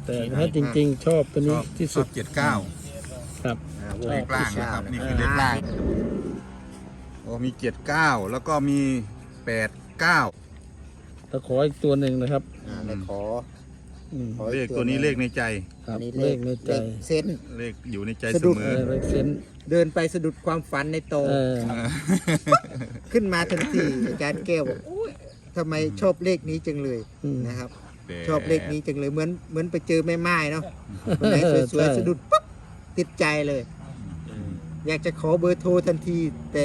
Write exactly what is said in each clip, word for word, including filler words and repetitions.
แต่ถ้าจริงๆชอบตัวนี้ที่สุดเจ็ดเก้าครับเลขล่างนะครับนี่คือเลขล่างโอ้มีเจ็ดเก้าแล้วก็มีแปดเก้าตะขออีกตัวหนึ่งนะครับเลขขอเลขตัวนี้เลขในใจครับเลขในใจเส้นเลขอยู่ในใจเสมอเลขเส้นเดินไปสะดุดความฝันในโตขึ้นมาทันทีอาจารย์แก้วบอกทำไมชอบเลขนี้จังเลยนะครับชอบเลขนี้จังเลยเหมือนเหมือนไปเจอแม่ไม้เนาะคนไหนสวยๆสะดุดปุ๊บติดใจเลยอยากจะขอเบอร์โทรทันทีแต่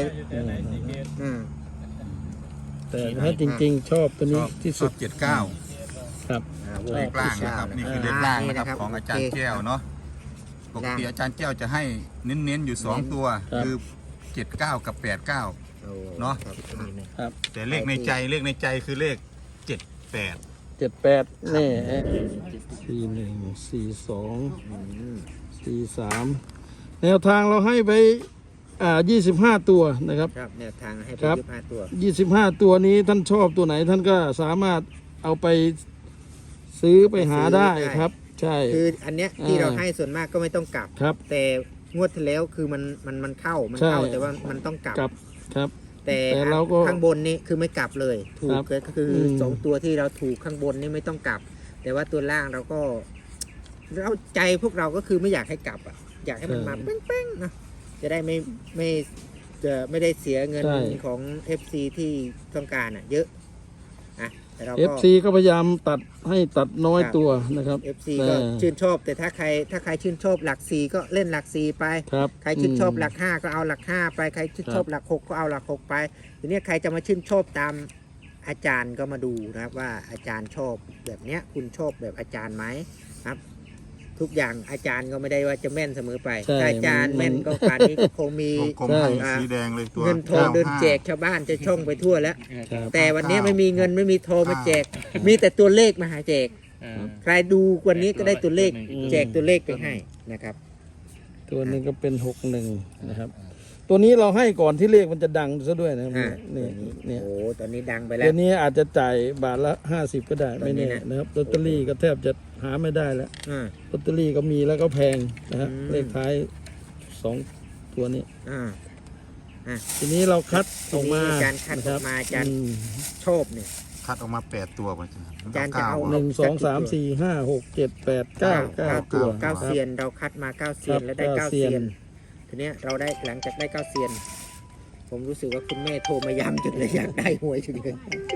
แต่ถ้าจริงๆชอบตัวนี้ที่สุดเจ็ดเก้าครับเลขล่างนะครับนี่คือเลขล่างนะครับของอาจารย์แก้วเนาะปกติอาจารย์แก้วจะให้เน้นๆอยู่สองตัวคือเจ็ดเก้ากับแปดเก้าเนาะแต่เลขในใจเลขในใจคือเลขเจ็ดแปดเจ็ดแปดนี่สี่หนึ่งสี่สองสี่สามแนวทางเราให้ไปอ่ายี่สิบห้าตัวนะครับครับแนวทางให้ไปยี่สิบห้าตัวยี่สิบห้าตัวนี้ท่านชอบตัวไหนท่านก็สามารถเอาไปซื้อไปหาได้ครับใช่คืออันเนี้ยที่เราให้ส่วนมากก็ไม่ต้องกลับครับแต่งวดที่แล้วคือมันมันมันเข้ามันเข้าแต่ว่ามันต้องกลับครับแต่ข้างบนนี่คือไม่กลับเลยถูกก็คือสองตัวที่เราถูกข้างบนนี่ไม่ต้องกลับแต่ว่าตัวล่างเราก็เราใจพวกเราก็คือไม่อยากให้กลับอ่ะอยากให้มันมาเป้งๆนะจะได้ไม่ไม่จะไม่ได้เสียเงินของ เอฟ ซี ที่ต้องการอ่ะเยอะอ่ะแต่เราก็เอฟ ซี ก็พยายามตัดให้ตัดน้อยตัวนะครับเอฟ ซี ก็ชื่นชอบแต่ถ้าใครถ้าใครชื่นชอบหลักสี่ก็เล่นหลักสี่ไปใครชื่นชอบหลักห้าก็เอาหลักห้าไปใครชื่นชอบหลักหกก็เอาหลักหกไปทีนี้ใครจะมาชื่นชอบตามอาจารย์ก็มาดูนะครับว่าอาจารย์ชอบแบบเนี้ยคุณชอบแบบอาจารย์ไหมครับทุกอย่างอาจารย์ก็ไม่ได้ว่าจะแม่นเสมอไปถ้าอาจารย์แม่นก็ป่านนี้ก็คงมีสีแดงเลยตัวเงินทองเดินแจกชาวบ้านจะช่องไปทั่วแล้วแต่วันนี้ไม่มีเงินไม่มีทองมาแจกมีแต่ตัวเลขมาหาแจกใครดูวันนี้ก็ได้ตัวเลขแจกตัวเลขไปให้นะครับตัวนี้ก็เป็นหกหนึ่งนะครับตัวนี้เราให้ก่อนที่เลขมันจะดังซะด้วยนะครับนี่นี่โอ้ตอนนี้ดังไปแล้วตัวนี้อาจจะจ่ายบาทละห้าสิบก็ได้ไม่แน่นะครับลอตเตอรี่ก็แทบจะหาไม่ได้แล้วลอตเตอรี่ก็มีแล้วก็แพงนะครับเลขท้ายสองตัวนี้ทีนี้เราคัดออกมาการคัดออกมาอาจารย์ชอบเนี่ยคัดออกมาแปดตัวอาจารย์จะเอาหนึ่งสองสามสี่ห้าหกเจ็ดแปดเก้าเก้าตัวเก้าเซียนเราคัดมาเก้าเซียนแล้วได้เก้าเซียนทีนี้เราได้หลังจากได้เก้าเซียนผมรู้สึกว่าคุณแม่โทรมาย้ำจนเลยอยากได้หวยจนเลย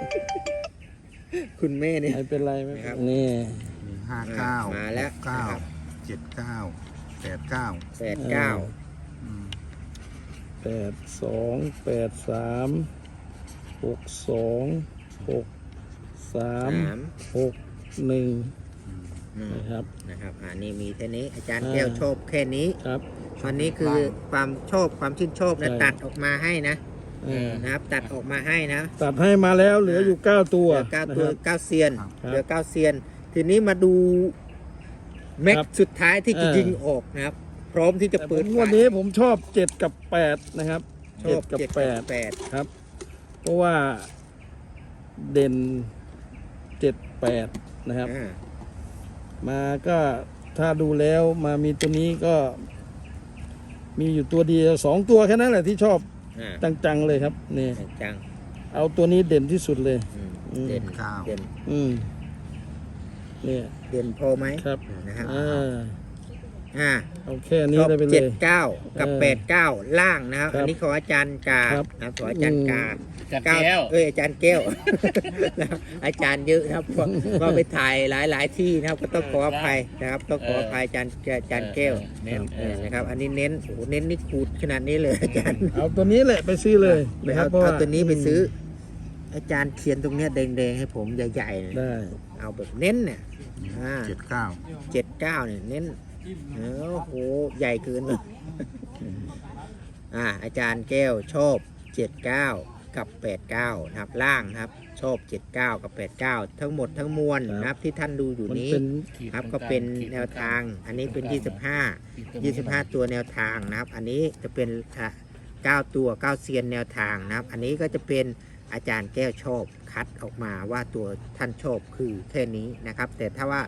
คุณแม่เนี่ยไม่เป็นไรไหมครับนี่ห้าเก้ามาแล้วเก้าเจ็ดเก้าแปดเก้าแปดเก้าแปดสองแปดสามหกสองหกสามหกหนึ่งนะครับนะครับอันนี้มีแค่นี้อาจารย์แก้วชอบแค่นี้ครับวันนี้คือความชอบความชื่นชอบนะตัดออกมาให้นะนะครับตัดออกมาให้นะตัดให้มาแล้วเหลืออยู่เก้าตัวเก้าตัวเก้าเซียนเหลือเก้าเซียนทีนี้มาดูแม็กสุดท้ายที่จะยิงออกนะครับพร้อมที่จะเปิดวันนี้ผมชอบเจ็ดกับแปดนะครับเจ็ดกับแปดแปดครับเพราะว่าเด่นเจ็ดแปดนะครับมาก็ถ้าดูแล้วมามีตัวนี้ก็มีอยู่ตัวเดียวสองตัวแค่นั้นแหละที่ชอบจังๆเลยครับนี่จังเอาตัวนี้เด่นที่สุดเลยเด่นข้าวเด่นอืมเนี่ยเด่นพอไหมครับนะครับอ่าโอเคอันนี้ได้ไปเลยเจ็ดเก้ากับแปดเก้าล่างนะครับอันนี้ขออาจารย์กานะขออาจารย์กาเก้าเอ้ยอาจารย์แก้วอาจารย์เยอะครับก็ไปถ่ายหลายๆที่นะครับก็ต้องขออภัยนะครับต้องขออภัยอาจารย์อาจารย์แก้วนะครับอันนี้เน้นโอ้เน้นนี่ขูดขนาดนี้เลยอาจารย์เอาตัวนี้แหละไปซื้อเลยนะครับเอาตัวนี้ไปซื้ออาจารย์เขียนตรงเนี้ยแดงๆให้ผมใหญ่ๆได้เอาแบบเน้นเนี่ยเจ็ดเก้าเจ็ดเก้าเนี่ยเน้นโอ้โหใหญ่เกินเลยอ่าอาจารย์แก้วชอบเจ็ดเก้ากับแปดเก้านะครับล่างนะครับชอบเจ็ดเก้ากับแปดเก้าทั้งหมดทั้งมวลนะครับที่ท่านดูอยู่นี้ครับก็เป็นแนวทางอันนี้เป็นยี่สิบห้า ยี่สิบห้าตัวแนวทางนะครับอันนี้จะเป็นเก้าตัวเก้าเซียนแนวทางนะครับอันนี้ก็จะเป็นอาจารย์แก้วชอบคัดออกมาว่าตัวท่านชอบคือแค่นี้นะครับแต่ถ้าว่า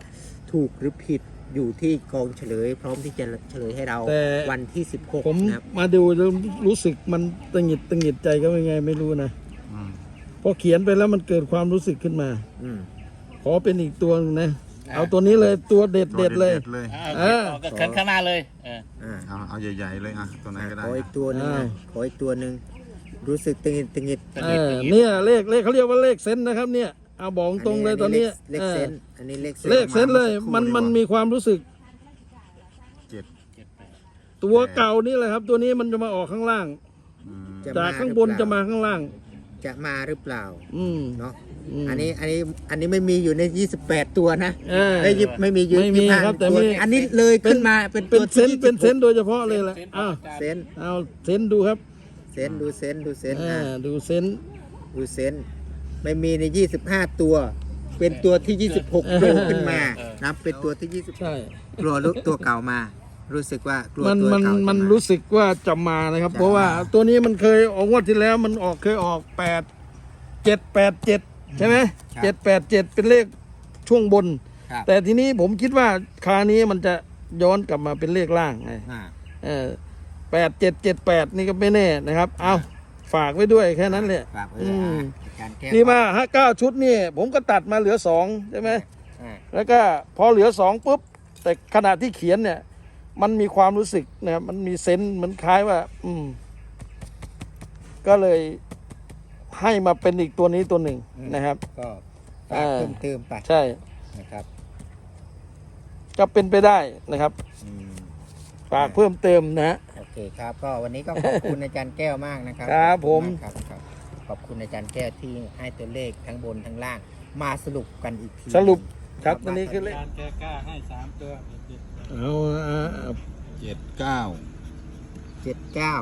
ถูกหรือผิดอยู่ที่กองเฉลย พร้อมที่จะเฉลยให้เราแต่วันที่สิบหกผมนะครับมาดูแล้วรู้สึกมันตังหงิดตังหงิดใจก็เป็นไงไม่รู้นะอืมพอเขียนไปแล้วมันเกิดความรู้สึกขึ้นมาอืมขอเป็นอีกตัวหนึงนะ เอาตัวนี้เลยตัวเด็ดตัวเด็ดเลยเลยเออก็เขินข้างหน้าเลยเอออ่าเอาเอาใหญ่ๆเลยอ่ะตัวไหนก็ได้ขออีกตัวหนึงอ้านะวขออีกตัวหนึ่งรู้สึกตึงหิดตึงหิดเออเนี่ยเลขเลขเขาเรียกว่าเลขเซนส์นะครับเนี่ยเอาบอกตรงเลยตอนนี้เลขเออเซนอันนี้เลขเซนเลขเซนส์เลยมันมันมีความรู้สึกเจ็ดตัวเก่านี่แหละครับ ตัวนี้มันจะมาออกข้างล่างอืมจะจากข้างบนจะมาข้างล่างจะมาหรือเปล่าอืมเนาะมอันนี้อันนี้อันนี้ไม่มีอยู่ในยี่สิบแปดตัวนะเออไม่ยิบไม่มีอยู่ไม่มียี่สิห้าครับแต่ตัวมีอันนี้เลยขึ้นมาเป็นเป็นตัวเซนส์ที่เป็นเซนส์โดยเฉพาะเลยแหละอ้าวเซนเอาเซนส์ดูครับเซนดูเซนดูเซนอ่าอ่ะดูเซนส์ดูเซนไม่มีในยี่สิบห้าตัว เป็นตัวที่ยี่สิบหกโผล่ขึ้นมานับเป็นตัวที่ยี่สิบใช่กลัวลุกตัวเก่ามา รู้สึกว่ากลัวมันตัวมันเก่าจะมันารู้สึกว่าจะมานะครับจะเพราะว่ามาตัวนี้มันเคยออกงวดที่แล้วมันออกเคยออกแปดเจ็ดแปดเจ็ดใช่ไหมครับเจ็ดแปดเจ็ดเป็นเลขช่วงบนครับแต่ทีนี้ผมคิดว่าคราวนี้มันจะย้อนกลับมาเป็นเลขล่างไงอ่าเออแปดเจ็ดเจ็ดแปดนี่ก็ไม่แน่นะครับ เอาฝากไว้ด้วยแค่นั้นแหละฝากไว้อืเลยมอ่ะการแก้นี่มาห้าเก้าชุดนี่ ผมก็ตัดมาเหลือสองใช่ไหมอ่าแล้วก็พอเหลือสองปุ๊บ แต่ขณะที่เขียนเนี่ย มันมีความรู้สึกนะครับมันมีเซนส์เหมันคล้ายว่า อืม ก็เลยให้มาเป็นอีกตัวนี้ตัวหนึ่งนะครับก็ฝากอ่าเพิ่มเติมไปใช่นะครับก็เป็นไปได้นะครับอืมฝากเพิ่มเติมนะฮะโอเคครับ ก็วันนี้ก็ขอบคุณอาจารย์แก้วมากนะครับครับขอณผมากครับครับขอบคุณอาจารย์แก้วที่ให้ตัวเลขทั้งบนทั้งล่าง มาสรุปกันอีกทีสรุปครับตัวนี้คือเลขการแก้กล้าให้สามตัวเอาเอาเอาเจ็ดเก้าเจ็ดเก้า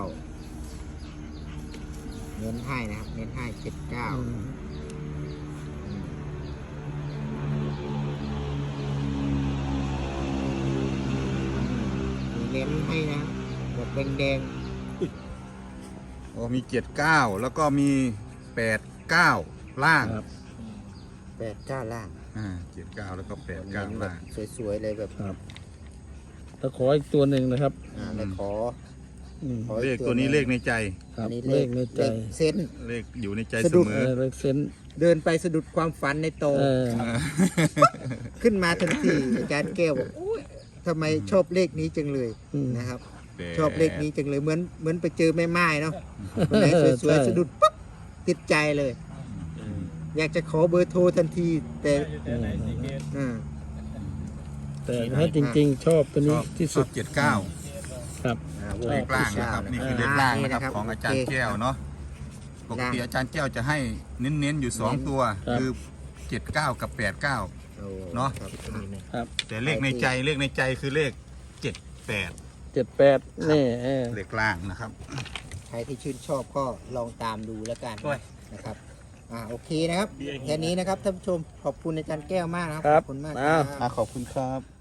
เน้นให้นะครับเน้นให้เจ็ดเก้า เน้นให้นะแบบแดงโอ้มีเจ็ดเก้าแล้วก็มีแปดเก้าล่างครับๆแปดเก้าล่างอ่าเจ็ดเก้าแล้วก็แปดเก้าเน้นแบล่าบงสวยๆเลยแบบครับแล้วขออีกตัวหนึ่งนะครับอ่าแล้วขออืมขอเลอีขกตัวนี้หงเลขในใจครับอันนี้เลขในใจเลขเซนเลขอยู่ในใจสะเสดุดมเอออเลขเซนส์เดินไปสะดุดความฝันในโตเออขึ้นมาทันทีอาจารย์แก้วบอกโอ้ยทำไมชอบเลขนี้จังเลยอืมนะครับแปดชอบเลขนี้จังเลยเหมือนเหมือนไปเจอแม่ไม้เนาะคนไหนสวยใช่ๆสะดุดปุ๊บติดใจเลย อยากจะขอเบอร์โทรทันที แต่อ่าแต่ถ้าจริง ๆ ชอบตัวชนี้อบที่ชสุอดบเจ็ดเก้าครับอ่าวงเลขล่างนะครับนี่คือเลขล่างนะครับของอาจารย์แก้วเนาะปกติอาจารย์แก้วจะให้เน้นๆอยู่สองตัว คือเจ็ดเก้ากับแปดเก้าโอ้เนาะครับครับแต่เลขในใจเลขในใจคือเลขเจ็ดแปดเจ็ดแปดนี่เออเลขล่างนะครับใครที่ชื่นชอบก็ลองตามดูแล้วกันนะครับอ่าโอเคนะครับแค่นี้นะครับท่านผู้ชมขอบคุณอาจารย์แก้วมากนะครับครับขอบคุณมากอ้าวครับขอบคุณครับ